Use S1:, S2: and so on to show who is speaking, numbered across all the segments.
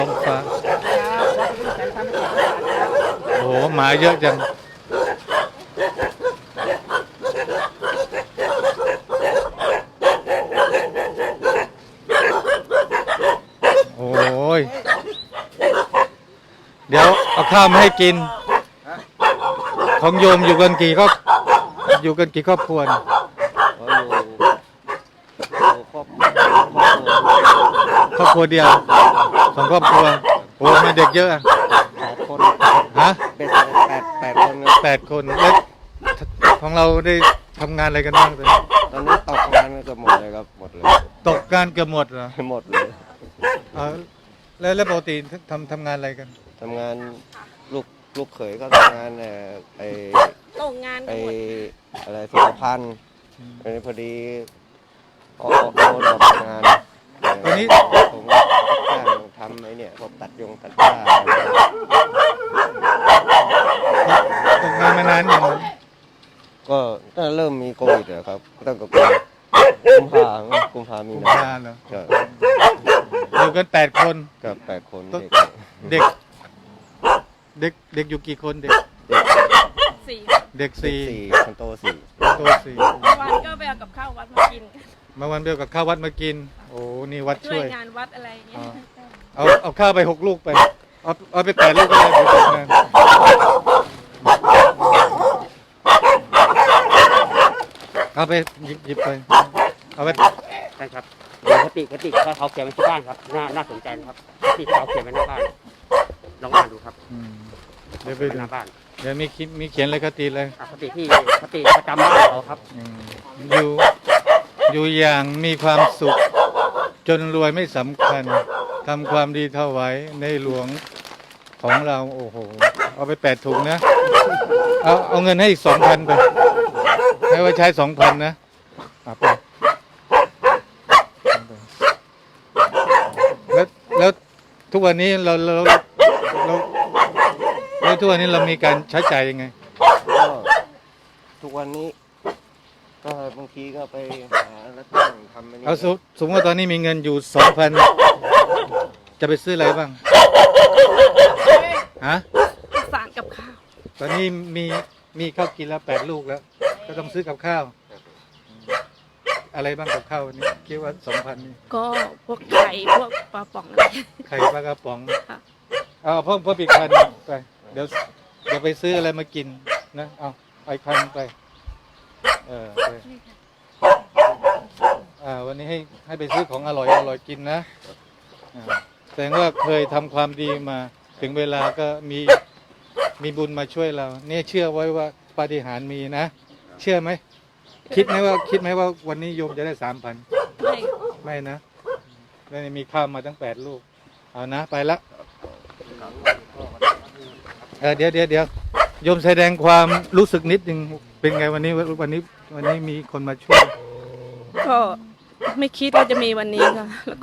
S1: ท้องฟ้าโอ้โหหมาเยอะจังโอ้ยเดี๋ยวเอาข้าวมาให้กินของโยมอยู่กันกี่ครอบครัวเนี่ยครอบครัวเดียว2 ครอบครัวโอ้มีเด็กเยอะ
S2: 8 คน
S1: ฮะ
S2: เป็น8 คน
S1: 8 คนแล้วของเราได้ทำงานอะไรกันบ้าง
S2: ตอนนี้ตกงานเกือบหมดเลยครับหมดเลย
S1: ตกงานเกือบหมดเหรอ
S2: หมดเลย
S1: แล้วปกติทำงานอะไรกัน
S2: ทำงานลูกเขยก็ทำงาน
S3: ตกงาน
S2: ไอ
S3: หมด
S2: อะไรสุขภัณฑ์พอดีออกทำงาน
S1: ตอนนี้
S2: ผมก็จ้างทำไอ้เนี่ยพวกตัดผ้า
S1: ตกงานมานานอย่าง
S2: ก็ตั้งเริ่มมีโควิดเหรอครับตั้งแต่กุมภามีนา
S1: เหรออยู่กัน8 คน
S2: กับ8 คน
S1: เด็กอยู่กี่คนเด็ก
S3: 4
S2: คนโต4
S3: วันก็ไปเอากับข้าววัดมากิน
S1: มาวันเดียวกับข้าววัดมากินโอ้นี่วัดช่วย
S3: งานวัดอะไรเงี้ย
S1: เอาข้าวไป6 ลูกไปเอาไป8 ลูกก็ได้เดี๋ยวงานเอาไปหยิบไปเอาไป
S4: ใช่ครับเดี๋ยวคติเขาเขียนไว้ที่บ้านครับน่าสนใจนะครับที่เขาเขียนไว้หน้าบ้านลองอ่านดูครับ
S1: เดี๋ยวไปดู
S4: หน้าบ้าน
S1: เดี๋ยวมีเขียนเลยคติเลย
S4: คติประจำบ้านเขาครับ
S1: อยู่อย่างมีความสุขจนรวยไม่สำคัญทำความดีถวายในหลวงของเราโอ้โหเอาไป8 ถุงนะเอาเงินให้อีก 2,000 ไปให้ไว้ใช้ 2,000 นะไปแล้วทุกวันนี้เราทุกวันนี้เรามีการใช้จ่ายยังไง
S2: ทุกวันนี้ก็บางทีก็ไปหาแล้วตั้งทำอันนี้
S1: เอาสมมติว่าตอนนี้มีเงินอยู่ 2,000 จะไปซื้ออะไรบ้างฮะ
S3: สารกับข้าว
S1: ตอนนี้มีข้าวกินแล้ว8 ลูกแล้วก็ต้องซื้อกับข้าวอะไรบ้างกับข้าววันนี้คิดว่า 2,000 นี่
S3: ก็พวกไข่พวกปลาป๋อง
S1: ไข่ปลากระป๋องเอาเพิ่มอีก1,000ไปเดี๋ยวไปซื้ออะไรมากินนะเอา1,000ไปวันนี้ให้ไปซื้อของอร่อยกินนะแสดงว่าเคยทำความดีมาถึงเวลาก็มีบุญมาช่วยเราเนี่ยเชื่อไว้ว่าปาฏิหาริย์มีนะเชื่อไหมคิดไหมว่าวันนี้โยมจะได้ 3,000ไม่นะแล้วมีข้าวมาตั้ง8 ลูกเอานะไปละเดี๋ยวโยมแสดงความรู้สึกนิดนึงเป็นไงวันนี้มีคนมาช่วย
S3: ก็ไม่คิดว่าจะมีวันนี้ค่ะแล้ว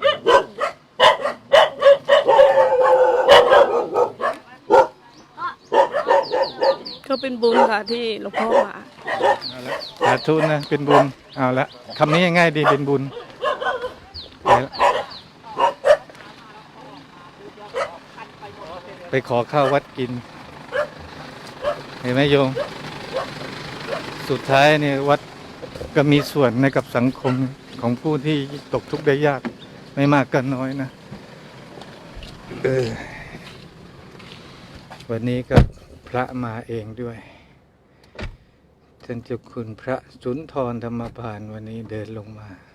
S3: ก็เป็นบุญค่ะที่หลวงพ่อมา
S1: สาธุนะเป็นบุญเอาละคำนี้ง่ายดีเป็นบุญไปขอข้าววัดกินเห็นไหมโยมสุดท้ายเนี่ยวัดก็มีส่วนในกับสังคมของผู้ที่ตกทุกข์ได้ยากไม่มากก็น้อยนะวันนี้ก็พระมาเองด้วยท่านเจ้าคุณพระสุนทรธรรมพานวันนี้เดินลงมา